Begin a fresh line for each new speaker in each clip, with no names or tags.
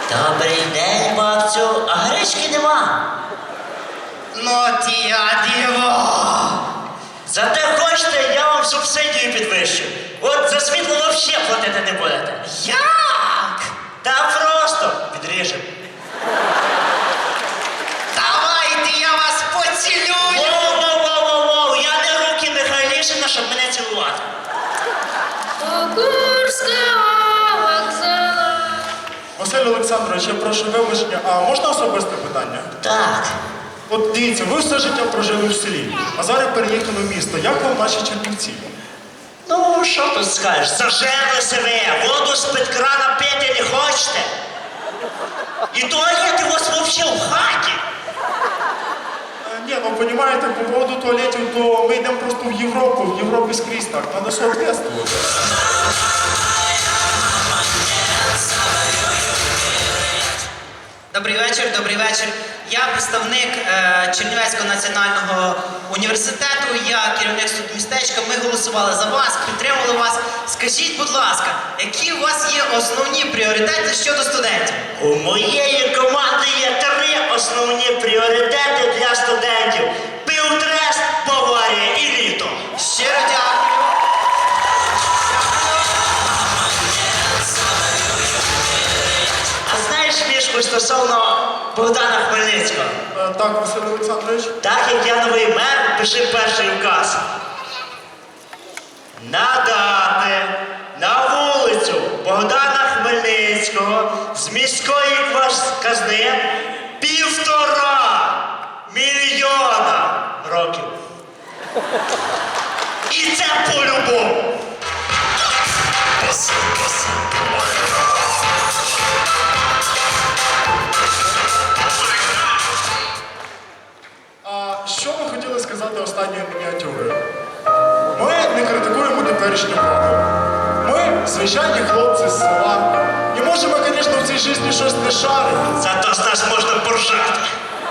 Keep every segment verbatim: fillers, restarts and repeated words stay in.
Добрий день, бабцю. А гречки нема.
Ну ті, а діво!
Зате хочете, я вам субсидію підвищу. От за світло взагалі платити не будете.
Як?
Та просто відріжемо.
Давайте я вас поцілюю!
Воу-воу-воу-воу! Я не руки Михайлішина, щоб мене цілувати.
Курського вокзалу.
Василь Олександрович, я прошу вибачення, а можна особисте питання?
Так.
От дивіться, ви все життя прожили в селі, а зараз переїхали в місто. Як вам наші Чернівці?
Ну, що тут скажеш? Зажерлися ви, воду з-під крана пити не хочете. І туалети у вас взагалі в хаті.
Е, Ні, ну розумієте, по поводу туалетів, то ми йдемо просто в Європу, в Європі скрізь так, треба соответствувати.
Добрий вечір, добрий вечір. Я представник е, Чернівецького національного університету, я керівник студмістечка. Ми голосували за вас, підтримували вас. Скажіть, будь ласка, які у вас є основні пріоритети щодо студентів?
У моєї команди є три основні пріоритети для студентів. Півтрест, Баварія і літо.
Щиро дякую.
А знаєш фішку стосовно Богдана Хмельницького?
Е, Так, Василь Олександрович?
Так як я новий мер, пиши перший указ. Надати на вулицю Богдана Хмельницького з міської квас- казни півтора мільйона років. І це по-любому.
А що ви хотіли сказати останньою мініатюрою? Ми не критикуємо теперішню владу. Ми звичайні хлопці з села. І може ми, звісно, в цій житті щось не шаримо.
Зато з нас можна поржати.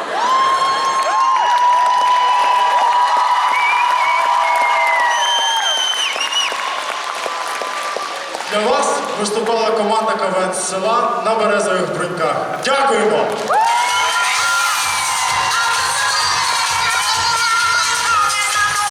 Для вас виступала команда КВН з села на березових бруньках. Дякуємо!